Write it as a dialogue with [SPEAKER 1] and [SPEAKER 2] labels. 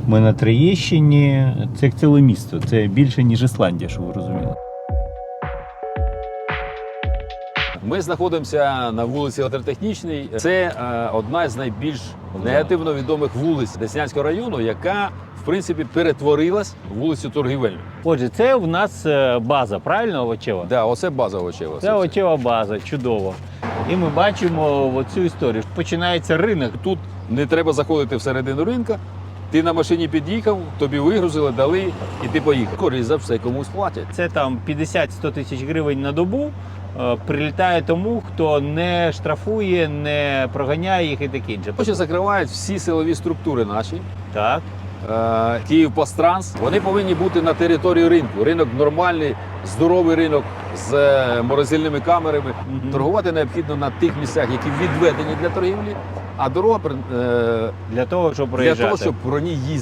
[SPEAKER 1] Ми на Троєщині, це як ціле місто, це більше, ніж Ісландія, щоб ви розуміли.
[SPEAKER 2] Ми знаходимося на вулиці Електротехнічній. Це одна з найбільш негативно відомих вулиць Деснянського району, яка, в принципі, перетворилась в вулицю торгівельну.
[SPEAKER 1] Отже, це у нас база, правильно, овочева?
[SPEAKER 2] Да, оце база овочева.
[SPEAKER 1] Це овочева база, чудово. І ми бачимо оцю історію. Починається ринок.
[SPEAKER 2] Тут не треба заходити всередину ринка. Ти на машині під'їхав, тобі вигрузили, дали, і ти поїхав. Користь за все комусь платять.
[SPEAKER 1] Це там 50-100 тисяч гривень на добу прилітає тому, хто не штрафує, не проганяє їх і таке інше.
[SPEAKER 2] Хоча закривають всі силові структури наші.
[SPEAKER 1] Так.
[SPEAKER 2] Київпостранс, вони повинні бути на території ринку. Ринок нормальний, здоровий ринок з морозильними камерами. Торгувати необхідно на тих місцях, які відведені для торгівлі, а дорога
[SPEAKER 1] Для того, щоб проїжджати.
[SPEAKER 2] для того, щоб про ній їздити.